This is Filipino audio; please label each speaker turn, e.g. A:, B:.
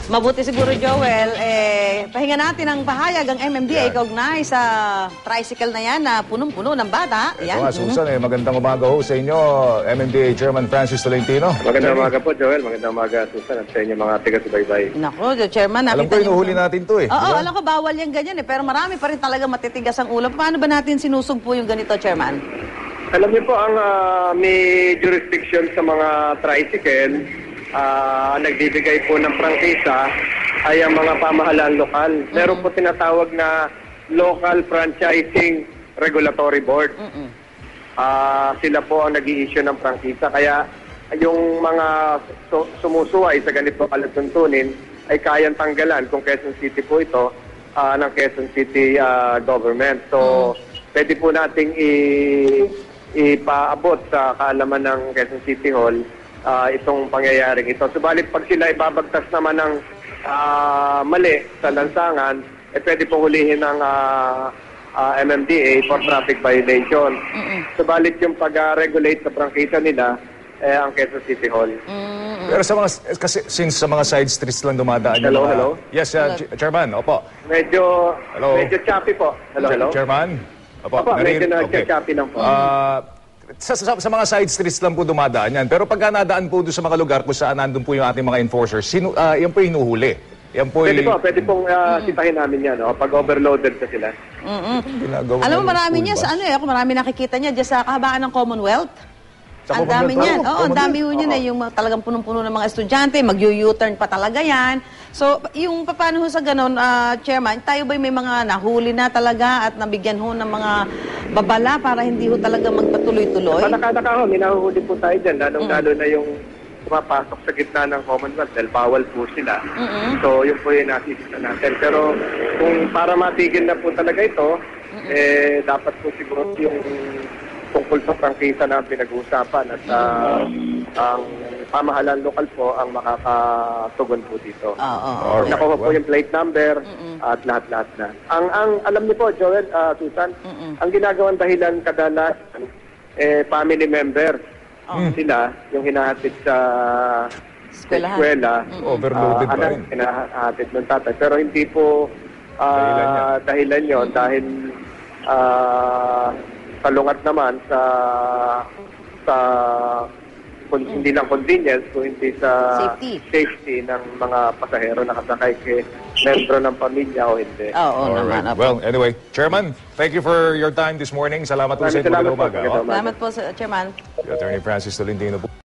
A: Mabuti siguro, Joel, pahinga natin ang pahayag ang MMDA kaugnay sa tricycle na yan na punong-puno ng bata.
B: Ito nga, Susan, magandang umaga ho sa inyo, MMDA Chairman Francis Tolentino.
C: Magandang umaga po, Joel. Magandang umaga, Susan, at sa inyo mga taga-subaybay.
A: Naku, Chairman, nakita
B: alam ko, inuhuli natin to eh.
A: Oo, alam ko, bawal yan ganyan eh. Pero marami pa rin talaga matitigas ang ulo. Paano ba natin sinusugpo yung ganito, Chairman?
C: Alam niyo po, ang may jurisdiction sa mga tricycle, nagbibigay po ng prangkisa ay ang mga pamahalaan lokal. Meron po tinatawag na Local Franchising Regulatory Board. Sila po ang nag-i-issue ng prangkisa. Kaya yung mga sumusuway sa ganito kalatuntunin ay kayang tanggalan kung Quezon City po ito ng Quezon City government. So, pwede po nating ipaabot sa kaalaman ng Quezon City Hall itong pangyayaring ito. Subalit pag sila ibabagtas naman ng mali sa lansangan, pwede pong hulihin ng MMDA for traffic violation. Subalit yung pag-regulate sa prangkisa nila, ang Quezon City Hall.
B: Pero sa mga, kasi since sa mga side streets lang dumadaan yung mga...
C: Hello?
B: Yes, Chairman, opo.
C: Medyo choppy po. Hello?
B: Chairman?
C: Opo, medyo choppy lang po.
B: Sa mga side streets lang po dumadaan yan. Pero pagka nadaan po doon sa mga lugar kung saan nandun po yung ating mga enforcers, yan po hinuhuli. Yan po
C: pwede pong sitahin namin yan, pag overloaded na sila.
A: Alam mo, marami niya sa ako marami nakikita niya dyan sa kahabaan ng Commonwealth. Ang dami niyan. Oo, ang dami niyan na yung talagang punong-puno ng mga estudyante, mag-U-turn pa talaga yan. So, yung paano ho sa ganon, Chairman, tayo ba may mga nahuli na talaga at nabigyan ho ng mga babala para hindi ho talaga magpatuloy-tuloy?
C: Panakadaka ho, minahuhuli po tayo dyan, lalong-lalo na yung pumapasok sa gitna ng Commonwealth dahil bawal po sila. So, yun po yung nasisita natin. Pero kung para matigil na po talaga ito, dapat po siguro yung tungkol sa prangkisa na pinag-uusapan at ang pamahalaan lokal po ang makakatugon po dito. Nakuha po yung plate number at lahat-lahat na. Ang alam niyo po, Joel, Susan, ang ginagawang dahilan kadalasan, family member. Sila, yung hinahatid sa eskwela,
B: overloaded pa rin.
C: Hinahatid ng tatay. Pero hindi po dahilan yun dahil salungat naman sa hindi lang convenience, kung hindi sa safety ng mga pasahero na kasakay kay membro ng pamilya o hindi.
A: Naman.
B: Well, anyway, Chairman, thank you for your time this morning. Salamat po sa inyo.
A: Salamat po, Chairman.
B: Attorney Francis Tolentino po.